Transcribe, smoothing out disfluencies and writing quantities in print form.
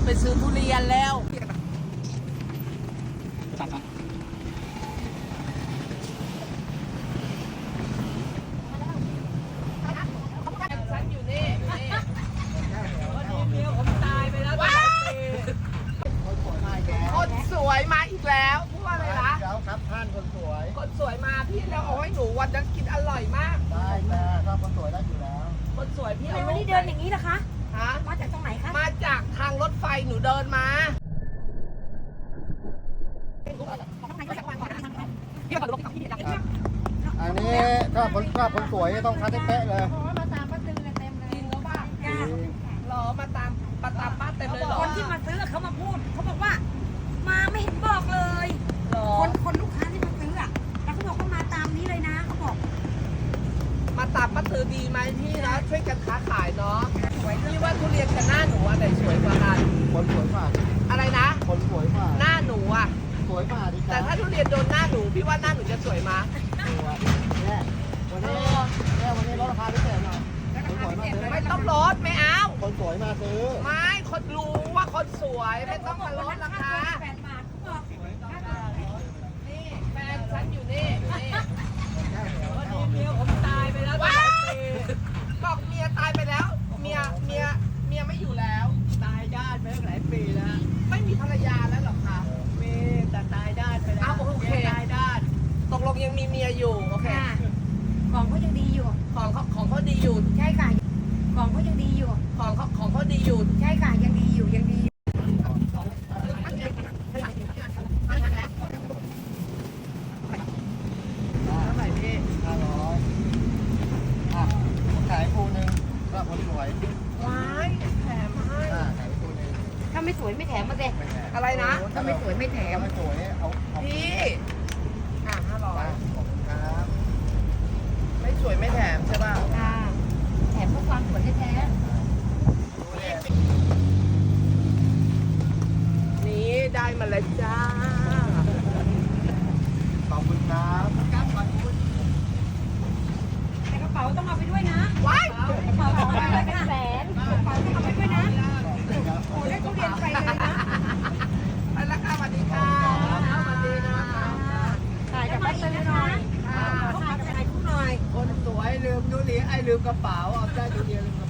ไปซื้อทุเรียนแล้วฉันอยู่นี่วันนี้เมียผมตายไปแล้วคนสวยมาอีกแล้วพูดว่าอะไรนะแล้วครับท่านคนสวยคนสวยมาพี่แล้วเอาให้หนูวันนั้นกินอร่อยมากได้แต่ถ้าคนสวยได้อยู่แล้วคนสวยพี่เอาวันนี้เดินอย่างนี้นะคะฮะมาจากตรงไหนคะมาจากทางรถไฟหนูเดินมาอันนี้ถ้าคนสวยต้องคัดให้เป๊ะเลยมาตามป้าตือเต็มเลยจริงเขาป่ะรอมาตามป้าเต็มเลยหรอคนที่มาซื้อเขามาพูดเขาบอกว่ามาไม่เห็นบอกเลยคนลูกค้าที่มาซื้ออ่ะแล้วเขาบอกว่ามาตามนี้เลยนะเขาบอกมาตามป้าตือดีไหมพี่นะช่วยกันค้าขายเนาะพี่ว่าทุเรียนกับหน้าหนูอะไหนสวยกว่ากันคนสวยกว่าอะไรนะคนสวยกว่าหน้าหนูอะสวยกว่าดิแต่ถ้าทุเรียนโดนหน้าหนูพี่ว่าหน้าหนูจะสวยมั้ยเนี่ยวันนี้ลดราคาพิเศษหน่อยคนสวยมาซื้อไม่ต้องลดไม่เอาคนสวยมาซื้อไม่คนรู้ว่าคนสวยไม่ต้องมาลดราคา 8 บาทบอกนี่แฟนฉันอยู่นี่วันนี้เมียผมตายไปแล้วบอกเมียตายไปแล้วเมียไม่อยู่แล้วตายด้านไปตั้งหลายปีแล้วไม่มีภรรยาแล้วหรอคะมีแต่ตายด้านไปแล้วโอเคตายด้านตกลงยังมีเมียอยู่โอเคของเขายังดีอยู่ของเขาดีอยู่ใช่ค่ะของเขายังดีอยู่ของเขาดีอยู่ใช่ค่ะยังดีอยู่ยังดีเท่าไหร่พี่ 500ขายปูนึงก็คนสวยว้ายแถมให้ขายปูนึงถ้าไม่สวยไม่แถมมาสิอะไรนะถ้าไม่สวยไม่แถมไม่สวยเอาพี่500 ครับไม่สวยไม่แถมใช่ป่ะแถมเพื่อความสวยแท้นี่ได้มาแล้วจ้าขอบคุณครับแต่กระเป๋าต้องเอาไปด้วยนะว้ายกระเป๋าต้องเอาไปเป็นแสนกระเป๋าต้องเอาไปด้วยนะโอ้ได้ทุเรียนไปเลยนะไปแล้วค่ะสวัสดีค่ะสวัสดีนะคะถ่ายกับป้าตือหน่อยถ่ายกับถ่ายคู่หน่อยคนสวยลืมทุเรียนลืมกระเป๋าเอาได้ทุเรียน